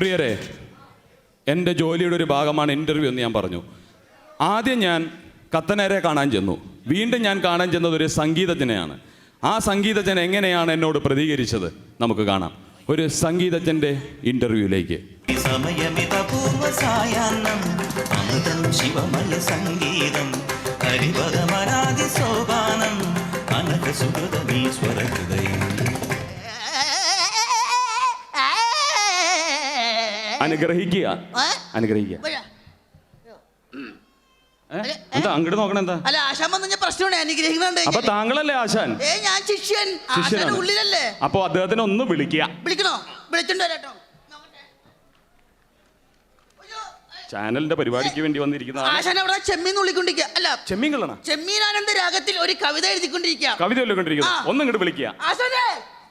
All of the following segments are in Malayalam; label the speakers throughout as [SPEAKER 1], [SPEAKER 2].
[SPEAKER 1] പ്രിയരെ, എൻ്റെ ജോലിയുടെ ഒരു ഭാഗമാണ് ഇൻ്റർവ്യൂ എന്ന് ഞാൻ പറഞ്ഞു. ആദ്യം ഞാൻ കത്തനേരെ കാണാൻ ചെന്നു. വീണ്ടും ഞാൻ കാണാൻ ചെന്നത് ഒരു സംഗീതജ്ഞനെയാണ്. ആ സംഗീതജ്ഞൻ എങ്ങനെയാണ് എന്നോട് പ്രതികരിച്ചത് നമുക്ക് കാണാം. ഒരു സംഗീതജ്ഞൻ്റെ ഇൻ്റർവ്യൂയിലേക്ക്. അനുഗ്രഹിക്കുക, അനുഗ്രഹിക്കുക. എന്താ അങ്ങോട്ട് നോക്കണ? എന്താ
[SPEAKER 2] അല്ല, ആശാൻ വന്ന പ്രശ്നമാണ്. അനുഗ്രഹിക്കുന്നുണ്ട്.
[SPEAKER 1] അപ്പൊ താങ്കളല്ലേ ആശാൻ?
[SPEAKER 2] ഞാൻ ശിഷ്യൻ. ആശാന്റെ ഉള്ളിലല്ലേ?
[SPEAKER 1] അപ്പൊ അദ്ദേഹത്തിനെ ഒന്ന് വിളിക്കുക.
[SPEAKER 2] വിളിക്കണോ? വിളിച്ചിട്ട് വരാട്ടോ.
[SPEAKER 1] ചാനലിന്റെ പരിപാടിക്ക് വേണ്ടി വന്നിരിക്കുന്ന
[SPEAKER 2] ആശാൻ അവിടെ ചെമ്മീൻ വിളിക്കൊണ്ടിരിക്കുക. അല്ല,
[SPEAKER 1] ചെമ്മീൻ കള്ളണ
[SPEAKER 2] ചെമ്മീനാനന്ദ രാഗത്തിൽ ഒരു കവിത എഴുതിക്കൊണ്ടിരിക്കുക.
[SPEAKER 1] കവിത എഴുതിക്കൊണ്ടിരിക്കുന്നു. ഒന്നും ഇങ്ങോട്ട് വിളിക്കുക.
[SPEAKER 2] ആശാനെ,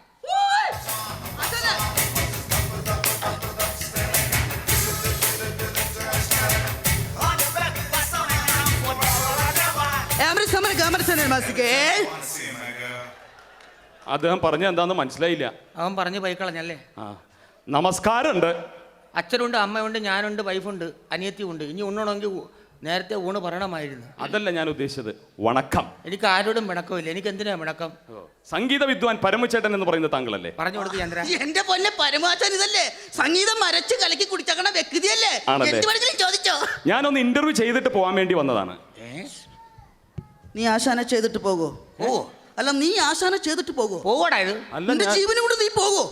[SPEAKER 1] അദ്ദേഹം പറഞ്ഞ എന്താന്ന് മനസ്സിലായില്ല.
[SPEAKER 3] അവൻ പറഞ്ഞു പോയിക്കളഞ്ഞല്ലേ.
[SPEAKER 1] നമസ്കാരമുണ്ട്.
[SPEAKER 3] അച്ഛനുണ്ട്, അമ്മയുണ്ട്, ഞാനുണ്ട്, വൈഫുണ്ട്, അനിയത്തിയുണ്ട്. ഇനി ഉണ്ണണമെങ്കിൽ നേരത്തെ ഊണ് പറയണമായിരുന്നു.
[SPEAKER 1] അതല്ല ഞാൻ ഉദ്ദേശിച്ചത്. വണക്കം.
[SPEAKER 3] എനിക്ക് ആരോടും വിണക്കമില്ല. എനിക്ക് എന്തിനാ വിണക്കം?
[SPEAKER 1] സംഗീത വിദ്വാൻ പരമചേട്ടൻ എന്ന് പറയുന്ന താങ്കളല്ലേ?
[SPEAKER 3] പറഞ്ഞു കൊടുത്ത് ചന്ദ്ര.
[SPEAKER 2] എന്റെ പൊന്നെ പരമാചാൻ, ഇതല്ലേ സംഗീതം മരച്ച് കലക്കി കുടിച്ചക്കണ വ്യക്തിയല്ലേ? ചോദിച്ചോ.
[SPEAKER 1] ഞാനൊന്ന് ഇന്റർവ്യൂ ചെയ്തിട്ട് പോകാൻ വേണ്ടി വന്നതാണ്.
[SPEAKER 2] നീ ആശാനെ ചെയ്തിട്ട് പോകോ?
[SPEAKER 3] ഓ
[SPEAKER 2] അല്ല, നീ ആശാനെ ചെയ്തിട്ട് പോകോ?
[SPEAKER 3] പോകടാ. ഇത്
[SPEAKER 2] നിന്റെ ജീവനും കൂടെ നീ പോകോ?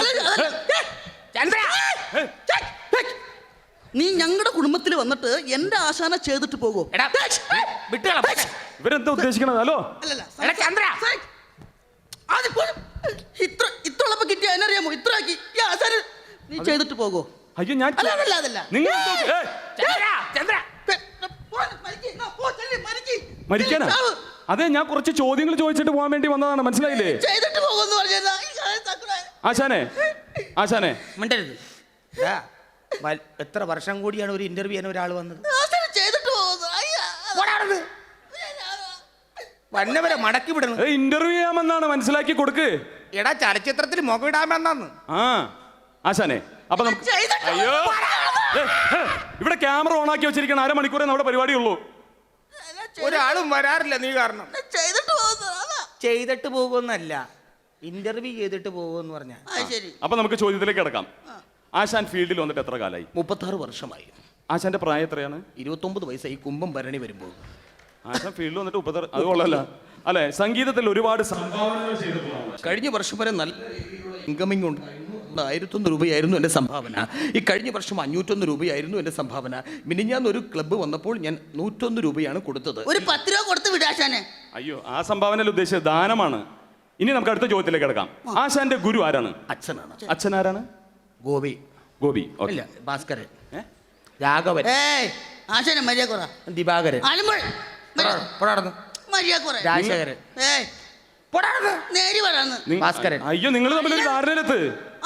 [SPEAKER 2] നീ ഞങ്ങളുടെ കുടുംബത്തിൽ വന്നിട്ട് എന്റെ ആശാനെ ചെയ്തിട്ട് പോകോ?
[SPEAKER 1] ഇവരെന്താ ഉദ്ദേശിക്കണത്? ഹലോ
[SPEAKER 2] ഇത്രയുള്ളപ്പോ കിട്ടിയ അതിനറിയാമോ? ഇത്രയാക്കി ഈ ആശാന് നീ ചെയ്തിട്ട് പോകോ?
[SPEAKER 1] അയ്യോ, ഞാൻ
[SPEAKER 2] അതല്ല.
[SPEAKER 1] മരിക്കാനാ? അതെ, ഞാൻ കുറച്ച് ചോദ്യങ്ങൾ ചോദിച്ചിട്ട് പോകാൻ വേണ്ടി വന്നതാണ്. മനസ്സിലായില്ലേ?
[SPEAKER 2] ചെയ്തിട്ട് പോകുന്നു.
[SPEAKER 1] ആശാനെ
[SPEAKER 3] മിണ്ടരുത്. എത്ര വർഷം കൂടിയാണ് ഒരു ഇന്റർവ്യൂ ചെയ്യാൻ ഒരാൾ വന്നത്? വന്നവരെ മടക്കി വിടണം.
[SPEAKER 1] ഇന്റർവ്യൂ ചെയ്യാമെന്നാണ്, മനസ്സിലാക്കി കൊടുക്ക്.
[SPEAKER 3] എടാ, ചലച്ചിത്രത്തിൽ മുഖമിടാമെന്നാന്ന്.
[SPEAKER 1] ആശാനെ, അപ്പൊ നമുക്ക് അയ്യോ, ഇവിടെ ക്യാമറ ഓൺ ആക്കി വെച്ചിരിക്കണം. അരമണിക്കൂറേ നമ്മുടെ പരിപാടിയുള്ളൂ.
[SPEAKER 3] ഒരാളും വരാറില്ല നീ കാരണം. ചെയ്തിട്ട് പോകുന്നല്ല, ഇന്റർവ്യൂ ചെയ്തിട്ട് പോകുമെന്ന് പറഞ്ഞാൽ.
[SPEAKER 1] അപ്പൊ നമുക്ക് ചോദ്യത്തിലേക്ക് കിടക്കാം. ആശാൻ ഫീൽഡിൽ വന്നിട്ട് എത്ര കാലമായി?
[SPEAKER 3] 36 വർഷമായി.
[SPEAKER 1] ആശാന്റെ പ്രായം എത്രയാണ്?
[SPEAKER 3] 29 വയസ്സായി. കുംഭം ഭരണി വരുമ്പോൾ.
[SPEAKER 1] ആശാൻ ഫീൽഡിൽ വന്നിട്ട് 36. അത് കൊള്ളല്ല അല്ലെ? സംഗീതത്തിൽ ഒരുപാട് സംഭാവനകൾ ചെയ്തിട്ടുള്ള
[SPEAKER 3] കഴിഞ്ഞ വർഷം വരെ നല്ല ഇൻകമിംഗ് ഉണ്ട്. 1,001 രൂപയായിരുന്നു എൻ്റെ സംഭാവന. ഈ കഴിഞ്ഞ വർഷം 501 രൂപയായിരുന്നു എൻ്റെ സംഭാവന. മിനിഞ്ഞാന്ന് ഒരു ക്ലബ്ബ് വന്നപ്പോൾ ഞാൻ 101 രൂപയാണ് കൊടുത്തത്.
[SPEAKER 2] ഒരു 10 രൂപ കൊടുത്ത് വിടാശാനെ.
[SPEAKER 1] അയ്യോ, ആ സംഭാവനയിൽ ഉദ്ദേശിച്ചത് ദാനമാണ്. ഇനി നമുക്ക് അടുത്ത ചോദ്യത്തിലേക്ക് കിടക്കാം. ആശാന്റെ ഗുരു ആരാണ്?
[SPEAKER 3] അച്ഛനാണ്.
[SPEAKER 1] അച്ഛൻ ആരാണ്?
[SPEAKER 3] ഗോപി.
[SPEAKER 1] ഇല്ല,
[SPEAKER 3] ഭാസ്കരൻ, രാഘവൻ.
[SPEAKER 2] ആശാനെ മര്യാദ കുറ.
[SPEAKER 3] ദിവാകരൻ, രാജശേഖരൻ, ഭാസ്കരൻ.
[SPEAKER 1] അയ്യോ, നിങ്ങൾ തമ്മിൽ ധാരണയിലെത്ത്.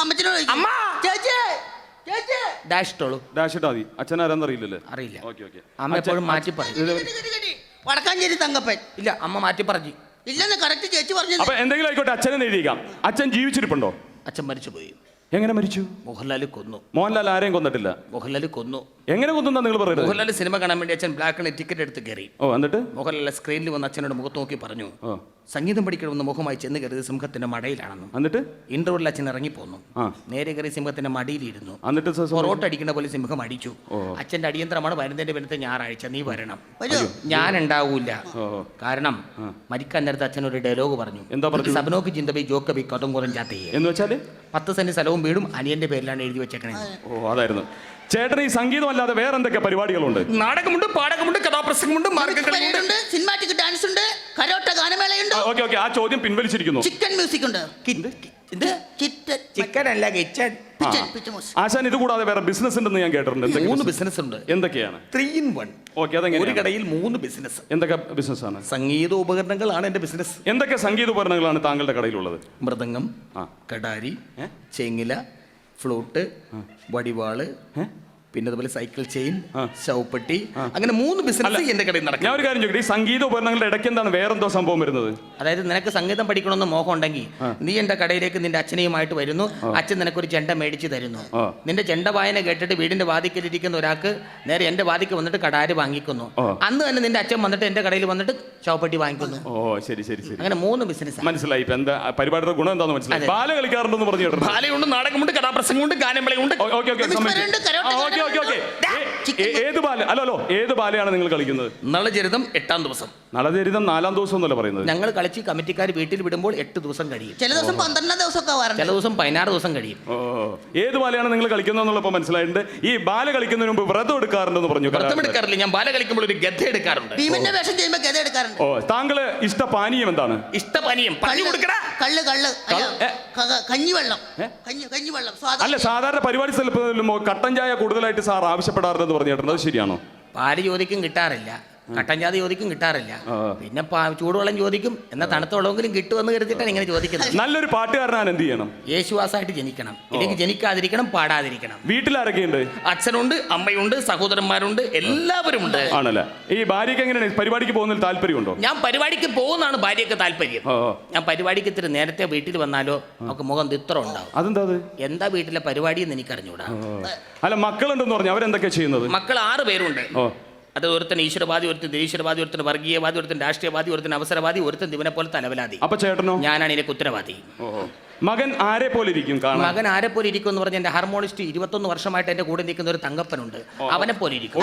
[SPEAKER 3] ഡാഷ് ഇട്ടോളൂ.
[SPEAKER 1] ഡാഷ് ഇട്ടാ മതി. അച്ഛൻ ആരാന്ന് അറിയില്ലല്ലേ?
[SPEAKER 3] അറിയില്ല. അമ്മ എപ്പോഴും മാറ്റി പറഞ്ഞു.
[SPEAKER 2] വടക്കാഞ്ചേരി തങ്കപ്പൻ.
[SPEAKER 3] ഇല്ല, അമ്മ മാറ്റി പറഞ്ഞു.
[SPEAKER 2] ഇല്ലെന്ന് കറക്റ്റ് ചേച്ചി പറഞ്ഞു.
[SPEAKER 1] അപ്പൊ എന്തെങ്കിലും ആയിക്കോട്ടെ, അച്ഛനെ എഴുതിക്കാം. അച്ഛൻ ജീവിച്ചിരിപ്പുണ്ടോ?
[SPEAKER 3] അച്ഛൻ മരിച്ചുപോയി.
[SPEAKER 1] എങ്ങനെ മരിച്ചു?
[SPEAKER 3] മോഹൻലാൽ കൊന്നു.
[SPEAKER 1] മോഹൻലാൽ ആരെയും കൊന്നിട്ടില്ല.
[SPEAKER 3] മോഹൻലാൽ കൊന്നു.
[SPEAKER 1] എങ്ങനെ കൊന്നു നിങ്ങൾ പറയുന്നത്?
[SPEAKER 3] മോഹൻലാൽ സിനിമ കാണാൻ വേണ്ടി അച്ഛൻ ബ്ലാക്കിന് ടിക്കറ്റ് എടുത്ത് കയറി.
[SPEAKER 1] എന്നിട്ട്
[SPEAKER 3] മോഹൻലാൽ സ്ക്രീനിൽ വന്ന് അച്ഛനോട് മുഖത്ത് നോക്കി പറഞ്ഞു, സംഗീതം പഠിക്കണമെന്ന് മുഖമായി ചെന്ന് കയറിയത് സിംഹത്തിന്റെ മടയിലാണെന്നും.
[SPEAKER 1] എന്നിട്ട്
[SPEAKER 3] ഇന്റർവെല്ലിൽ അച്ഛൻ ഇറങ്ങിപ്പോന്നു. നേരെ കയറി സിംഹത്തിന്റെ മടിയിലിരുന്നു.
[SPEAKER 1] എന്നിട്ട്
[SPEAKER 3] പൊറോട്ട അടിക്കുന്ന പോലെ സിംഹം അടിച്ചു. അച്ഛന്റെ അടിയന്തരമാണ് വരുന്നതിന്റെ പിന്നത്തെ ഞായറാഴ്ച നീ വരണം. ഞാൻ ഉണ്ടാവൂല. കാരണം മരിക്കാൻ നേരത്തെ അച്ഛൻ ഒരു ഡയലോഗ് പറഞ്ഞു.
[SPEAKER 1] എന്താ പറഞ്ഞു?
[SPEAKER 3] സബനോക്ക് ചിന്തബി ജോക്കബി കഥം കുറഞ്ഞ
[SPEAKER 1] എന്ന് വെച്ചാല്
[SPEAKER 3] 10 സെന്റ് സ്ഥലവും വീടും അനിയന്റെ പേരിലാണ് എഴുതി വെച്ചേക്കണേ.
[SPEAKER 1] അതായിരുന്നു. ചേട്ടൻ ഈ സംഗീതമല്ലാതെ വേറെ എന്തൊക്കെ പരിപാടികളുണ്ട്?
[SPEAKER 3] നാടകമുണ്ട്, പാടകമുണ്ട്, കഥാപ്രസംഗമുണ്ട്, മാർഗ്ഗംകളിയുണ്ട്,
[SPEAKER 2] സിനിമാറ്റിക് ഡാൻസ് ഉണ്ട്, കരോട്ട ഗാനമേളയുണ്ട്.
[SPEAKER 1] ഓക്കെ, ആ ചോദ്യം പിൻവലിച്ചിരിക്കുന്നു.
[SPEAKER 2] ചിക്കൻ മ്യൂസിക് ഉണ്ട്.
[SPEAKER 3] ചിക്കൻ അല്ല, കിച്ചൺ.
[SPEAKER 1] ആശാൻ ഇത് കൂടാതെ വേറെ ബിസിനസ് ഉണ്ടെന്ന് ഞാൻ കേട്ടിട്ടുണ്ട്.
[SPEAKER 3] 3 ബിസിനസ് ഉണ്ട്.
[SPEAKER 1] എന്തൊക്കെയാണ്?
[SPEAKER 3] 3 in 1.
[SPEAKER 1] ഓക്കെ, അതെങ്ങനെ?
[SPEAKER 3] ഒരു കടയിൽ 3 ബിസിനസ്.
[SPEAKER 1] എന്തൊക്കെ ബിസിനസ് ആണ്?
[SPEAKER 3] സംഗീത ഉപകരണങ്ങളാണ് എന്റെ ബിസിനസ്.
[SPEAKER 1] എന്തൊക്കെ സംഗീത ഉപകരണങ്ങളാണ് താങ്കളുടെ കടയിലുള്ളത്?
[SPEAKER 3] മൃദംഗം, കടാരി, ചെങ്ങില, ഫ്ലൂട്ട്, വടിവാള്, പിന്നെ അതുപോലെ സൈക്കിൾ ചെയിൻ, ശവപ്പെട്ടി, അങ്ങനെ 3 ബിസിനസ് എന്റെ കടയിൽ നടക്കും.
[SPEAKER 1] ഞാൻ ഒരു കാര്യം ചോദിക്കട്ടെ, ഈ സംഗീത ഉപകരണങ്ങളുടെ ഇടയ്ക്ക് എന്താണ് വേറെന്തോ സംഭവം വരുന്നത്?
[SPEAKER 3] അതായത് നിനക്ക് സംഗീതം പഠിക്കണമെന്ന് മോഹം ഉണ്ടെങ്കിൽ നീ എൻ്റെ കടയിലേക്ക് നിന്റെ അച്ഛനെയുമായിട്ട് വരുന്നു. അച്ഛൻ നിനക്കൊരു ചെണ്ട മേടിച്ച് തരുന്നു. നിന്റെ ചെണ്ട വായന കേട്ടിട്ട് വീടിന്റെ വാതിക്കലിരിക്കുന്ന ഒരാൾക്ക് നേരെ എൻ്റെ വാതിക്ക് വന്നിട്ട് കടാര് വാങ്ങിക്കുന്നു. അന്ന് തന്നെ നിന്റെ അച്ഛൻ വന്നിട്ട് എൻ്റെ കടയിൽ വന്നിട്ട് ചവപ്പെട്ടി വാങ്ങിക്കുന്നു.
[SPEAKER 1] ശരി ശരി ശരി.
[SPEAKER 3] അങ്ങനെ 3 ബിസിനസ്
[SPEAKER 1] മനസ്സിലായി. ഇപ്പൊ എന്താ പരിപാടിയുടെ ഗുണം എന്താണെന്ന് മനസ്സിലായി. ബാല കളിക്കാറുണ്ടെന്ന് പറഞ്ഞു കേട്ടോ.
[SPEAKER 3] ബാലയുണ്ട്, നാടകമുണ്ട്, കഥാപ്രസംഗമുണ്ട്, ഗാനമേളയുണ്ട്.
[SPEAKER 1] ഏത് ബാല? അല്ലോ ഏത് ബാലയാണ് നിങ്ങൾ കളിക്കുന്നത്?
[SPEAKER 3] നളചരിതം 8-ാം ദിവസം.
[SPEAKER 1] നളചരിതം 4-ാം ദിവസം എന്നല്ല പറയുന്നത്.
[SPEAKER 3] ഞങ്ങൾ കളിച്ച് കമ്മിറ്റിക്കാർ വീട്ടിൽ വിടുമ്പോൾ 8 ദിവസം കഴിയും.
[SPEAKER 2] ചില ദിവസം 12 ദിവസമൊക്കെ
[SPEAKER 3] ചില ദിവസം 16 ദിവസം കഴിയും.
[SPEAKER 1] ഏത് ബാലയാണ് നിങ്ങൾ കളിക്കുന്നതെന്നുള്ളപ്പോൾ മനസ്സിലായിട്ടുണ്ട്. ഈ ബാല കളിക്കുന്നതിന് മുമ്പ് വ്രതം എടുക്കാറുണ്ടെന്ന് പറഞ്ഞു.
[SPEAKER 3] വ്രതം എടുക്കാറില്ല, ഞാൻ ബാല കളിക്കുമ്പോൾ ഒരു ഗദ്ദ എടുക്കാറുണ്ട്.
[SPEAKER 2] ഭീമന്റെ വേഷം ചെയ്യുമ്പോൾ ഗദ്ദ എടുക്കാറുണ്ട്.
[SPEAKER 1] താങ്കള് ഇഷ്ടപാനീയം എന്താണ്?
[SPEAKER 3] ഇഷ്ടപാനീയം പറഞ്ഞു കൊടുക്കടാ.
[SPEAKER 2] കള്ള് കഞ്ഞിവെള്ളം. കഞ്ഞിവെള്ളം
[SPEAKER 1] അല്ല, സാധാരണ പരിപാടി സ്ഥലത്ത് കട്ടൻ ചായ കൂടുതലായിട്ട് സാർ ആവശ്യപ്പെടാറുണ്ടെന്ന് പറഞ്ഞിട്ടുണ്ട്. അത് ശരിയാണോ?
[SPEAKER 3] പാല് ചോദിക്കും കിട്ടാറില്ല, കട്ടൻ ചായ ചോദിക്കും കിട്ടാറില്ല, പിന്നെ ചൂടുവെള്ളം ചോദിക്കും. എന്നാൽ തണുത്ത വെള്ളമെങ്കിലും കിട്ടുമെന്ന് കരുതിയിട്ടാണ് ഇങ്ങനെ ചോദിക്കുന്നത്.
[SPEAKER 1] നല്ലൊരു പാട്ടുകാരനാണ് എന്ത് ചെയ്യണം?
[SPEAKER 3] യേശുവാസായിട്ട് ജനിക്കണം, ഇല്ലെങ്കിൽ ജനിക്കാതിരിക്കണം, പാടാതിരിക്കണം.
[SPEAKER 1] വീട്ടിലാരൊക്കെയുണ്ട്?
[SPEAKER 3] അച്ഛനുണ്ട്, അമ്മയുണ്ട്, സഹോദരന്മാരുണ്ട്, എല്ലാവരും ഉണ്ട്.
[SPEAKER 1] ആണല്ലേ? ഈ ഭാര്യയ്ക്ക് എങ്ങനെയാണ് പരിപാടിക്ക് പോകുന്നതിൽ താല്പര്യമുണ്ടോ?
[SPEAKER 3] ഞാൻ പരിപാടിക്ക് പോകുന്നതാണ് ഭാര്യയ്ക്ക് താല്പര്യം. ഞാൻ പരിപാടിക്ക് ഇത്തിരി നേരത്തെ വീട്ടിൽ വന്നാലോ നമുക്ക് മുഖം തിത്രം ഉണ്ടാവും.
[SPEAKER 1] അതെന്താ? എന്താ
[SPEAKER 3] വീട്ടിലെ പരിപാടി എന്ന് എനിക്കറിഞ്ഞൂടാ.
[SPEAKER 1] അല്ല, മക്കളുണ്ടെന്ന് പറഞ്ഞു. അവരെന്തൊക്കെയാ ചെയ്യുന്നത്?
[SPEAKER 3] മക്കൾ 6 പേരുണ്ട്. അത് ഒരുത്തൻ ഈശ്വരവാദി, ഒരുത്തൻ നിരീശ്വരവാദി, ഒരുത്തൻ വർഗീയവാദി, ഒരുത്തൻ രാഷ്ട്രീയവാദി, ഒരുത്തൻ അവസരവാദി, ഒരുത്തൻ ദിവനെ പോലെ തലവലാതി.
[SPEAKER 1] അപ്പൊ ചേട്ടനോ?
[SPEAKER 3] ഞാനാണ് ഇതിന്റെ ഉത്തരവാദി.
[SPEAKER 1] മകൻ ആരെ പോലെ ഇരിക്കും?
[SPEAKER 3] മകൻ ആരെ പോലെ ഇരിക്കും എന്ന് പറഞ്ഞ എന്റെ ഹാർമോണിസ്റ്റ് 21 വർഷമായിട്ട് എന്റെ കൂടെ നിൽക്കുന്ന ഒരു തങ്കപ്പനുണ്ട്. അവനെ പോലെ ഇരിക്കും.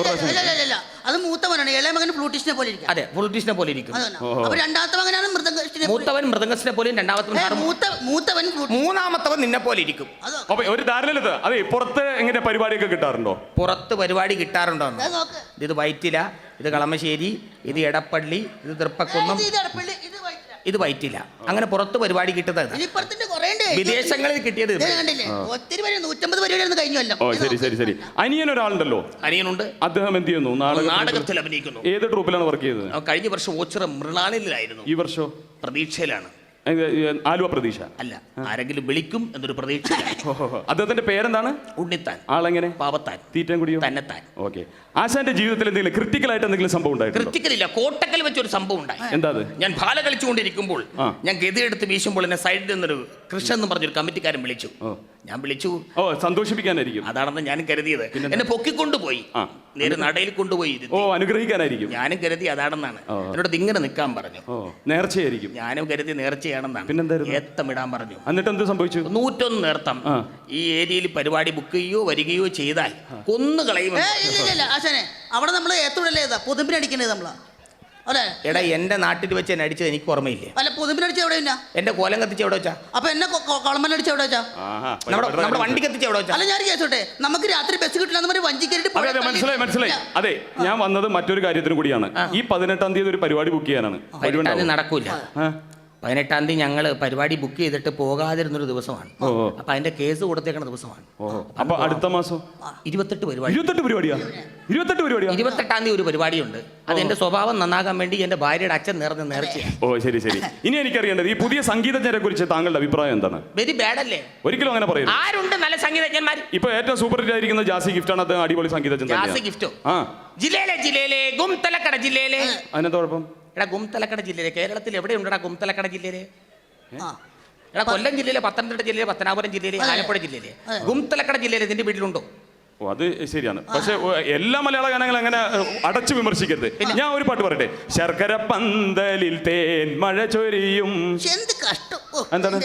[SPEAKER 2] അത് മൂത്തവനാണ്. ഇളയ മകൻ ഫ്ലൂട്ടിസ്റ്റിനെ പോലെ ഇരിക്കും.
[SPEAKER 3] അതെ, ഫ്ലൂട്ടിസ്റ്റിനെ പോലെ ഇരിക്കും.
[SPEAKER 2] രണ്ടാമത്തെ മകനാണ് മൃദംഗിസ്റ്റിനെ.
[SPEAKER 3] മൂത്തവൻ മൃദംഗസ്റ്റിനെ പോലെയും മൂന്നാമത്തവൻ നിന്നെ പോലെ ഇരിക്കും.
[SPEAKER 1] ഒരു ധാരണ. അതെ, പുറത്ത് എങ്ങനെ പരിപാടിയൊക്കെ കിട്ടാറുണ്ടോ?
[SPEAKER 3] പുറത്ത് പരിപാടി കിട്ടാറുണ്ടോ? ഇത് വൈറ്റില, ഇത് കളമശ്ശേരി, ഇത് എടപ്പള്ളി, ഇത് തൃപ്പക്കുന്നം, ഇത് വൈറ്റില്ല. അങ്ങനെ പുറത്ത് പരിപാടി കിട്ടുന്നത് വിദേശങ്ങളിൽ കിട്ടിയത്.
[SPEAKER 2] ഒത്തിരി 150 പരിപാടി കഴിഞ്ഞല്ലോ.
[SPEAKER 1] ശരി ശരി ശരി. അനിയൻ ഒരാളുണ്ടല്ലോ.
[SPEAKER 3] അനിയനുണ്ട്.
[SPEAKER 1] അദ്ദേഹം എന്ത് ചെയ്യുന്നു?
[SPEAKER 3] നാടകത്തിൽ അഭിനയിക്കുന്നു.
[SPEAKER 1] ഏത് ട്രൂപ്പിലാണ് വർക്ക് ചെയ്തത്?
[SPEAKER 3] കഴിഞ്ഞ വർഷം ഓച്ചിറ മൃണാളിലായിരുന്നു.
[SPEAKER 1] ഈ വർഷം
[SPEAKER 3] പ്രതീക്ഷയിലാണ്.
[SPEAKER 1] ആലുവ പ്രതീക്ഷ
[SPEAKER 3] അല്ല, ആരെങ്കിലും വിളിക്കും എന്നൊരു പ്രതീക്ഷ.
[SPEAKER 1] അദ്ദേഹത്തിന്റെ പേരെന്താണ്?
[SPEAKER 3] ഉണ്ണിത്താൻ.
[SPEAKER 1] ആളെങ്ങനെ?
[SPEAKER 3] പാവത്താൻ.
[SPEAKER 1] തീറ്റം കുടിയോ?
[SPEAKER 3] തന്നെത്താൻ.
[SPEAKER 1] ഓക്കെ. ആശാന്റെ ജീവിതത്തിൽ എന്തെങ്കിലും ക്രിട്ടിക്കലായിട്ട് എന്തെങ്കിലും സംഭവം ഉണ്ടായിട്ടുണ്ടോ?
[SPEAKER 3] ക്രിട്ടിക്കലില്ല, കോട്ടക്കൽ വെച്ചൊരു സംഭവം ഉണ്ടായി.
[SPEAKER 1] എന്താ? ഞാൻ
[SPEAKER 3] ബാല കളിച്ചുകൊണ്ടിരിക്കുമ്പോൾ ഞാൻ ഗതിയെടുത്ത് വീശുമ്പോൾ എന്നെ സൈഡിൽ നിന്നൊരു കൃഷ്ണൻ എന്ന് പറഞ്ഞൊരു കമ്മിറ്റിക്കാരൻ വിളിച്ചു. ഞാൻ വിളിച്ചു.
[SPEAKER 1] സന്തോഷിപ്പിക്കാനായിരിക്കും.
[SPEAKER 3] അതാണെന്ന് ഞാൻ കരുതിയത്. എന്നെ പൊക്കിക്കൊണ്ടുപോയി, നേരെ നടയിൽ കൊണ്ടുപോയി.
[SPEAKER 1] അനുഗ്രഹിക്കാനായിരിക്കും.
[SPEAKER 3] ഞാനും കരുതി അതാണെന്നാണ്. എന്നോട് ഇങ്ങനെ നിൽക്കാൻ പറഞ്ഞു.
[SPEAKER 1] നേർച്ചയായിരിക്കും.
[SPEAKER 3] ഞാനും കരുതി നേർച്ചയാണെന്നാണ്.
[SPEAKER 1] പിന്നെന്തായിരുന്നു?
[SPEAKER 3] ഏത്തമിടാൻ പറഞ്ഞു.
[SPEAKER 1] എന്നിട്ട് എന്ത് സംഭവിച്ചു?
[SPEAKER 3] 101 നേർത്തം. ഈ ഏരിയയിൽ പരിപാടി ബുക്ക് ചെയ്യുകയോ വരികയോ ചെയ്താൽ കൊന്നുകളയും.
[SPEAKER 2] അവിടെ നമ്മൾ ഏത്തോടല്ലേ പൊതുമ്പിനടിക്കണേ നമ്മളാ.
[SPEAKER 3] എടാ, എന്റെ നാട്ടിൽ വെച്ച് എന്നെ അടിച്ചത് എനിക്ക് ഓർമ്മയില്ലേ?
[SPEAKER 2] അല്ല, പൊതുമ്പിനടിച്ച എവിടെ?
[SPEAKER 3] എന്റെ കോലം കത്തിച്ച് എവിടെ വെച്ചാ?
[SPEAKER 2] അപ്പൊ എന്നെ കൊളമ്പലടിച്ച എവിടെ വെച്ചാ?
[SPEAKER 3] നമ്മുടെ വണ്ടി കത്തിച്ച് എവിടെ വെച്ചാ?
[SPEAKER 2] അല്ല, ഞാൻ കേസോട്ടെ, നമുക്ക് രാത്രി ബസ് കിട്ടില്ല വഞ്ചി കയറിട്ട്.
[SPEAKER 1] മനസ്സിലായി. അതെ, ഞാൻ വന്നത് മറ്റൊരു കാര്യത്തിന് കൂടിയാണ്. ഈ 18-ാം തീയതി ഒരു പരിപാടി ബുക്ക് ചെയ്യാനാണ്.
[SPEAKER 3] നടക്കൂല. 18-ാം തീയതി ഞങ്ങൾ പരിപാടി ബുക്ക് ചെയ്തിട്ട് പോകാതിരുന്നൊരു ദിവസമാണ്. അപ്പൊ അതിന്റെ കേസ് കൊടുത്തേക്കണ ദിവസമാണ്.
[SPEAKER 1] അപ്പൊ അടുത്ത മാസം
[SPEAKER 3] 28 പരിപാടി.
[SPEAKER 1] 28 പരിപാടിയാ?
[SPEAKER 3] 28-ാം തീയതി ഒരു പരിപാടിയുണ്ട്. അത് എന്റെ സ്വഭാവം നന്നാകാൻ വേണ്ടി എന്റെ ഭാര്യയുടെ അച്ഛൻ നേർച്ചയാണ്.
[SPEAKER 1] ശരി ശരി. ഇനി എനിക്കറിയേണ്ടത് ഈ പുതിയ സംഗീതജ്ഞരെ കുറിച്ച് താങ്കളുടെ അഭിപ്രായം എന്താണ്?
[SPEAKER 3] വെരി ബാഡ് അല്ലേ?
[SPEAKER 1] ഒരിക്കലും അങ്ങനെ പറയരുത്.
[SPEAKER 3] ആരുണ്ട് നല്ല സംഗീതജ്ഞന്മാർ?
[SPEAKER 1] ഇപ്പൊ ഏറ്റവും സൂപ്പർ ഹിറ്റ് ആയിരിക്കുന്ന ജാസി ഗിഫ്റ്റാണ്. അത് അടിപൊളി സംഗീതജ്ഞൻ.
[SPEAKER 3] ജാസി ഗിഫ്റ്റോ? ജില്ലയിലെ ഗുംതലക്കട ജില്ലയിലെ.
[SPEAKER 1] അതിനെന്താ കുഴപ്പം?
[SPEAKER 3] എടാ, ഗുംതലക്കട ജില്ലയിലെ കേരളത്തിൽ എവിടെയുണ്ടടാ ഗുംതലക്കട ജില്ലയിലെ? എടാ, കൊല്ലം ജില്ലയിലെ, പത്തനംതിട്ട ജില്ലയിലെ, പത്തനാപുരം ജില്ലയിലെ, ആലപ്പുഴ ജില്ലയിലെ. ഗുംതലക്കട ജില്ലയിൽ നിന്റെ വീട്ടിലുണ്ടോ?
[SPEAKER 1] അത് ശരിയാണ്. പക്ഷെ എല്ലാ മലയാള ഗാനങ്ങളും അങ്ങനെ അടച്ചു വിമർശിക്കരുത്. ഞാൻ ഒരു പാട്ട് പറയട്ടെ. ശർക്കര പന്തലിൽ തേൻ മഴ ചൊരിയും. എന്താണ്?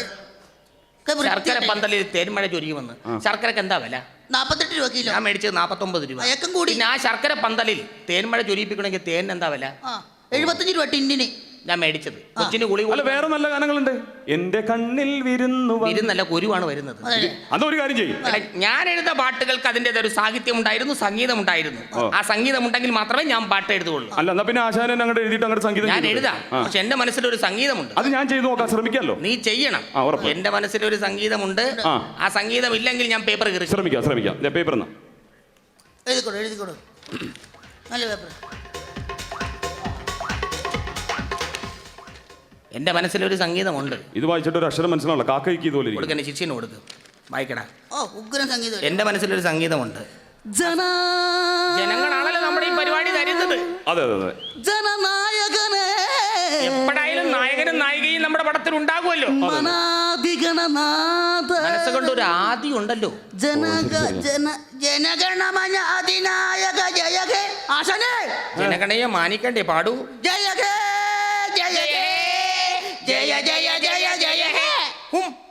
[SPEAKER 3] ശർക്കര പന്തലിൽ തേൻമഴ ചൊരിയുമെന്ന്. ശർക്കരക്ക് എന്താ വില?
[SPEAKER 2] 48 രൂപ കിലോ.
[SPEAKER 3] ഞാൻ മേടിച്ചത് 49 രൂപ. പിന്നെ ആ ശർക്കര പന്തലിൽ തേൻമഴ ചൊരിയിപ്പിക്കണമെങ്കിൽ തേൻ എന്താ വില?
[SPEAKER 2] 75 രൂപ ടിന്നിന്.
[SPEAKER 3] ഞാൻ മേടിച്ചത് കൊച്ചിന് ഗുളി.
[SPEAKER 1] വേറെ നല്ല ഗാനങ്ങളുണ്ട്. എന്റെ കണ്ണിൽ
[SPEAKER 3] വിരുന്നല്ല, കുരുവാണ് വരുന്നത്.
[SPEAKER 1] അതൊരു കാര്യം ചെയ്യും.
[SPEAKER 3] ഞാൻ എഴുത പാട്ടുകൾക്ക് അതിൻ്റെതായ ഒരു സാഹിത്യം ഉണ്ടായിരുന്നു, സംഗീതം ഉണ്ടായിരുന്നു. ആ സംഗീതം ഉണ്ടെങ്കിൽ മാത്രമേ ഞാൻ പാട്ട് എഴുതുള്ളൂ.
[SPEAKER 1] അല്ല, പിന്നെ ആശാനെ അങ്ങോട്ട് എഴുതിയിട്ട് അങ്ങോട്ട് സംഗീതം
[SPEAKER 3] ഞാൻ എഴുതാം. പക്ഷെ എന്റെ മനസ്സിലൊരു സംഗീതമുണ്ട്.
[SPEAKER 1] അത് ഞാൻ ചെയ്തു നോക്കാൻ ശ്രമിക്കാമല്ലോ.
[SPEAKER 3] നീ ചെയ്യണം. എന്റെ മനസ്സിലൊരു സംഗീതമുണ്ട്. ആ സംഗീതം ഇല്ലെങ്കിൽ ഞാൻ പേപ്പർ കയറി
[SPEAKER 1] ശ്രമിക്കാം. പേപ്പർ
[SPEAKER 2] എഴുതിക്കോളൂ. നല്ല പേപ്പർ.
[SPEAKER 3] എന്റെ മനസ്സിലൊരു സംഗീതമുണ്ട്.
[SPEAKER 1] ഇത് വായിച്ചിട്ട് ഒരു അക്ഷരം മനസ്സിലാവില്ല. കാക്കയ്ക്ക് ഇതുപോലെ
[SPEAKER 3] കൊടുക്കണേ, ശിഷ്യന് കൊടുക്ക്, വായിക്കടാ.
[SPEAKER 2] ഉഗ്രൻ സംഗീതം.
[SPEAKER 3] എന്റെ മനസ്സിലൊരു സംഗീതമുണ്ട്. ജനങ്ങളാണല്ലോ നമ്മുടെ ഈ പരിപാടി തരുന്നത്.
[SPEAKER 1] അതെ.
[SPEAKER 2] ജനനായകനെ.
[SPEAKER 3] എപ്പോഴായാലും നായകൻ നായകനും നായികയും നമ്മുടെ പടത്തിൽ ഉണ്ടാകുമല്ലോ.
[SPEAKER 2] മനാധിഗണനാഥ
[SPEAKER 3] മനസ്സുകൊണ്ട് ഒരു ആദി ഉണ്ടല്ലോ.
[SPEAKER 2] ജനഗണമന അതിനായക ജയ ഹേ. ആശാനേ,
[SPEAKER 3] ജനഗണയെ മാനിക്കണ്ടേ? പാടൂ.
[SPEAKER 2] ജയ ഹേ ജയ ഹേ ജയ ജയ ജയ ജയ ഹേ.
[SPEAKER 3] ഹും